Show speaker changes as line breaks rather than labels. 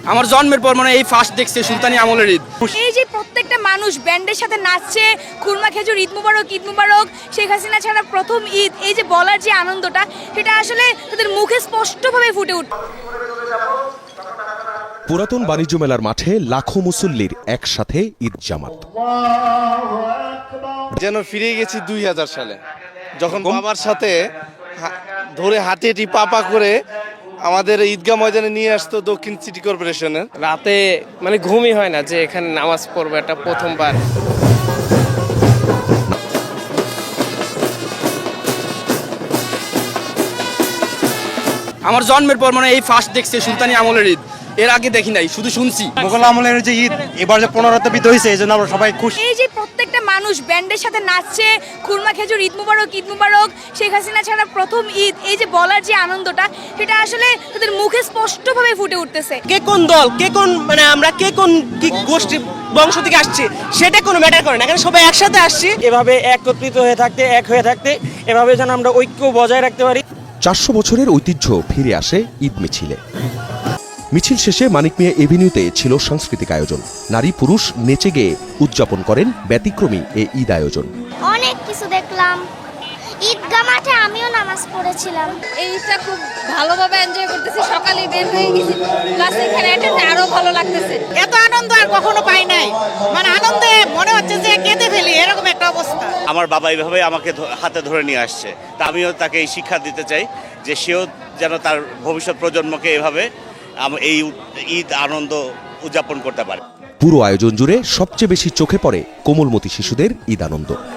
আমার জন্মের পর মানে এই ফার্স্ট দেখছে সুলতানি আমলের ঈদ।
এই যে প্রত্যেকটা মানুষ ব্যান্ডের সাথে নাচছে, খুরমা খেজুর ঈদ মুবারক ঈদ মুবারক, শেখ হাসিনা ছাড়া প্রথম ঈদ, এই যে বলার যে আনন্দটা, সেটা আসলে তাদের মুখে স্পষ্টভাবে ফুটে উঠছে।
পুরাতন বাণিজ্য মেলার মাঠে লাখো মুসল্লির একসাথে ঈদ জামাত।
যেন ফিরে গেছি 2000 সালে, যখন বাবার সাথে ধরে হাঁটি হাঁটি পা করে আমাদের ঈদগাহ ময়দানে নিয়ে আসতো দক্ষিণ সিটি কর্পোরেশনের।
রাতে মানে ঘুমই হয় না যে এখানে নামাজ পড়বো, এটা প্রথমবার।
আমার জন্মের পর মানে এই ফার্স্ট দেখছে সুলতানি আমলের ঈদ, এর আগে দেখি নাই, শুধু শুনছি।
মোগল আমলের যে ঈদ এবার যে পুনরাবৃত্তি হয়েছে, এই জন্য আমরা সবাই খুশি।
এই যে প্রত্যেকটা মানুষ ব্যান্ডের সাথে নাচছে, খুরমা খেজুর ঈদ মুবারক ঈদ মুবারক, শেখ হাসিনা ছাড়া প্রথম ঈদ, এই যে বলার যে আনন্দটা, সেটা আসলে তাদের মুখে স্পষ্টভাবে ফুটে উঠতেছে।
কে কোন দল, কে কোন মানে আমরা কে কোন কি গোষ্ঠী বংশ থেকে আসছি সেটা কোনো ম্যাটার করে না, এখানে সবাই একসাথে আসছি। এভাবে একত্রিত হয়ে থাকতে, এক হয়ে থাকতে, এভাবে যেন আমরা ঐক্য বজায় রাখতে পারি।
400 বছরের ঐতিহ্য ফিরে আসে ঈদ মিছিলে। মিছিল শেষে মানিক মিয়া এভিনিউতে ছিল সাংস্কৃতিক আয়োজন। নারী পুরুষ নেচে গেয়ে উদযাপন করেন ব্যতিক্রমী এই ঈদ আয়োজন।
অনেক কিছু দেখলাম, ঈদগাহ মাঠে আমিও নামাজ পড়েছিলাম।
এই ঈদটা খুব ভালোভাবে এনজয় করতেছি, সকালে বের হয়ে গেছি, প্লাস এখানে এটা আরো ভালো লাগতেছে।
এত আনন্দ আর কখনো পাই নাই, মানে আনন্দে মনে হচ্ছে যে কেঁদে ফেলি, এরকম একটা অবস্থা।
আমার বাবা এইভাবে আমাকে হাতে ধরে নিয়ে আসছে, তা আমিও তাকে এই শিক্ষা দিতে চাই যে সেও যেন তার ভবিষ্যৎ প্রজন্মকে এভাবে এই ঈদ আনন্দ উদযাপন করতে পারে।
পুরো আয়োজন জুড়ে সবচেয়ে বেশি চোখে পড়ে কোমলমতি শিশুদের ঈদ আনন্দ।